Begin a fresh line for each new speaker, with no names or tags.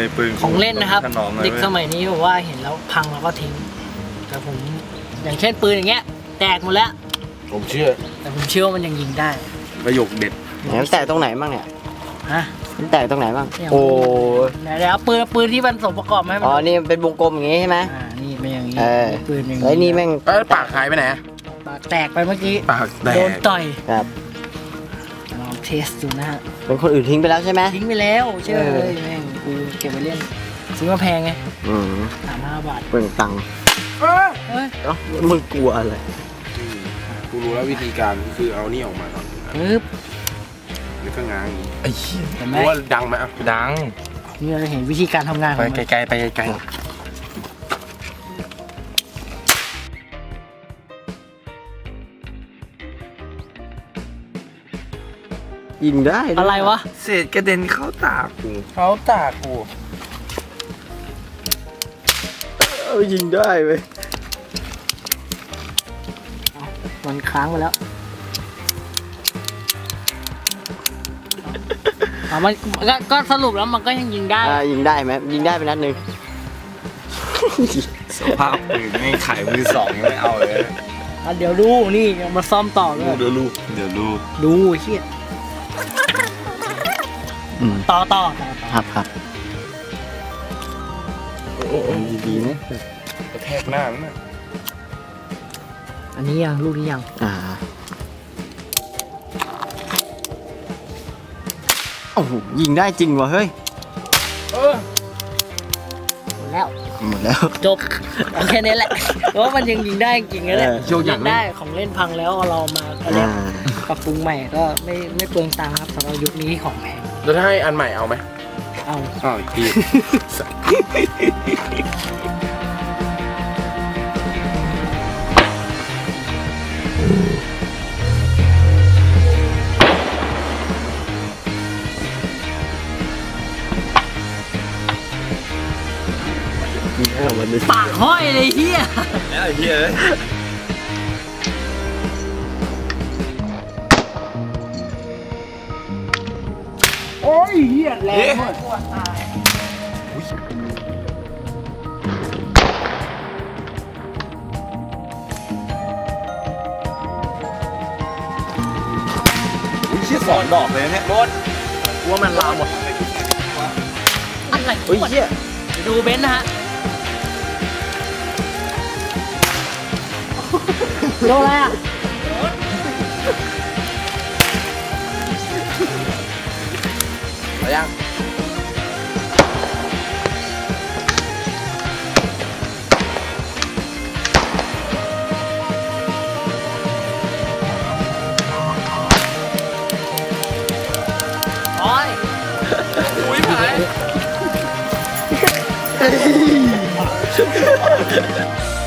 ปืน
ของเล่นนะครับเด็กสมัยนี้บอกว่าเห็นแล้วพังแล้วก็ทิ้งแต่ผมอย่างเช่นปืนอย่างเงี้ยแตกหมดแล้ว
ผมเชื่อ
แต่ผมเชื่อว่ามันยังยิงได้
ประโยคเด็ด
มันแตกตรงไหนบ้างเนี่ย
ฮะ
มันแตกตรงไหนบ้างโอ้
ไหนแล้วปืนที่มันสมประกอบไหม
อ๋อนี่เป็นวงกลมอย่างงี้ใช่ไหม
นี่เป็นอย่างนี้ปืนอย่างนี้
ไอ้นี่แม่ง
ปากหายไปไหน
ปากแตกไปเมื่อกี้
ปากแตก
โดนต่อย
ครับ
ลองเทสดูนะฮะ
เป็นคนอื่นทิ้งไปแล้วใช่ไหม
ทิ้งไปแล้วเชื่อเลยแม่งกูเก็บไว้เล่นซื้อมาแพงไง35 บาท
เปลืองตังค์มึงกลัวอะไร
กูรู้แล้ววิธีการคือเอานี่ออกมาก่อน
ปึ๊บ
แล้วก็ง้างอย่างนี้
ไอ้เหี้ยเห็นไหม
ว่าดังไหมดัง
นี่เราเห็นวิธีการทำงาน
ไปไกลๆไปไกล
ยิงได้
อะไรวะ
เศษกระเด็นเข้าตากู
ยิงได้เว้ย
มันค้างไปแล้วมันก็สรุปแล้วมันก็ยังยิงได้
ยิงได้ไหมยิงได้ไปนัดหนึ่ง
สภาพปืนไม่ขายมือสองยังไม่เอาเลย
เดี๋ยวดูนี่มาซ่อมต่อเลย
เดี๋ยว
ดูเฮียต่อ
ครับโอ้ดีๆนะ
กระแทกหน้ามัน
อันนี้ยังลูกนี้ยัง
โอ้โหยิงได้จริงวะเฮ้ยหมดแล้ว
จบแค่นี้แหละเพราะว่ามันยังยิงได้จริงๆนะเนี่ยยิงได้ของเล่นพังแล้วเรามาอะไรปรับปรุงใหม่ก็ไม่เปลืองตังค์ครับสำหรับยุคนี้ของแพง
แล้วถ้าให้อันใหม่เอาไหม
เอา
อีกที
ปากห้อยเลยเฮียโอ้ยเฮียแรงมาก
ชื่อสอนดอกเลยเนี่ยรถว่ามันลามหมด
อะไรดูเบนซ์นะฮะโดนอะไรอ่ะ
ไปยัง
อุ้ยหาย